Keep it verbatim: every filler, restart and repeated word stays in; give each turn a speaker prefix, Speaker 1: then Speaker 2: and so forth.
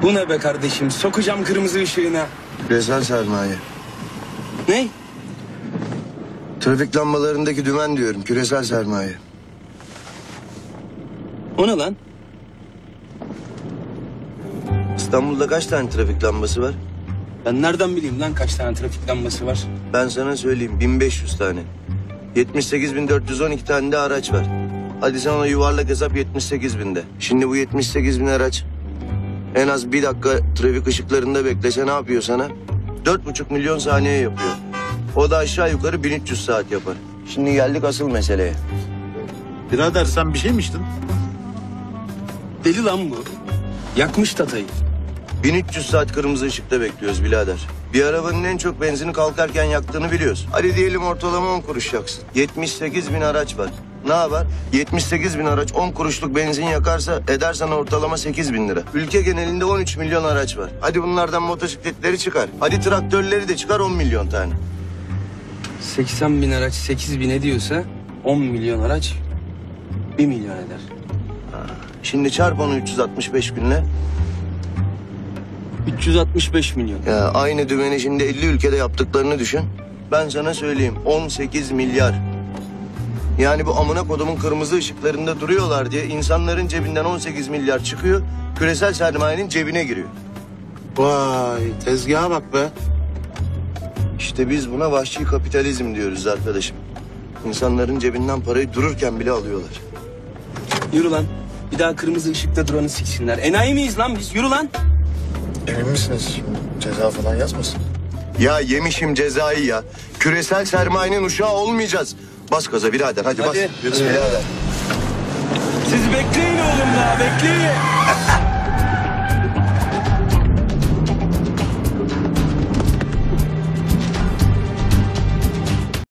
Speaker 1: Bu ne be kardeşim? Sokacağım kırmızı ışığına.
Speaker 2: Küresel sermaye.
Speaker 1: Ne?
Speaker 2: Trafik lambalarındaki dümen diyorum. Küresel sermaye.
Speaker 1: O ne lan?
Speaker 2: İstanbul'da kaç tane trafik lambası var?
Speaker 1: Ben nereden bileyim lan kaç tane trafik lambası var?
Speaker 2: Ben sana söyleyeyim, bin beş yüz tane. yetmiş sekiz bin dört yüz on iki tane de araç var. Hadi sen ona yuvarlak hesap yetmiş sekiz binde. Şimdi bu yetmiş sekiz bin araç en az bir dakika trafik ışıklarında beklese ne yapıyor sana? Dört buçuk milyon saniye yapıyor. O da aşağı yukarı bin üç yüz saat yapar. Şimdi geldik asıl meseleye.
Speaker 3: Birader sen bir şey mi içtin?
Speaker 1: Deli lan bu. Yakmış tatayı.
Speaker 2: bin üç yüz saat kırmızı ışıkta bekliyoruz birader. Bir arabanın en çok benzini kalkarken yaktığını biliyoruz. Hadi diyelim ortalama on kuruş yaksın. yetmiş sekiz bin araç var. Ne yapar? yetmiş sekiz bin araç on kuruşluk benzin yakarsa eder sana ortalama sekiz bin lira. Ülke genelinde on üç milyon araç var. Hadi bunlardan motosikletleri çıkar. Hadi traktörleri de çıkar on milyon tane.
Speaker 1: seksen bin araç sekiz bin ediyorsa on milyon araç bir milyon eder.
Speaker 2: Şimdi çarp onu üç yüz altmış beş binle.
Speaker 1: üç yüz altmış beş milyon.
Speaker 2: Ya aynı dümeni şimdi elli ülkede yaptıklarını düşün. Ben sana söyleyeyim on sekiz milyar. Yani bu amına kodumun kırmızı ışıklarında duruyorlar diye insanların cebinden on sekiz milyar çıkıyor. Küresel sermayenin cebine giriyor.
Speaker 3: Vay tezgaha bak be.
Speaker 2: İşte biz buna vahşi kapitalizm diyoruz arkadaşım. İnsanların cebinden parayı dururken bile alıyorlar.
Speaker 1: Yürü lan. Bir daha kırmızı ışıkta duranı siksinler. Enayi miyiz lan biz? Yürü lan.
Speaker 4: Emin misiniz? Şimdi ceza falan yazmasın?
Speaker 2: Ya yemişim cezayı ya. Küresel sermayenin uşağı olmayacağız. Bas gaza birader hadi,
Speaker 1: Hadi.
Speaker 2: bas. Birader.
Speaker 1: Siz bekleyin oğlum lan.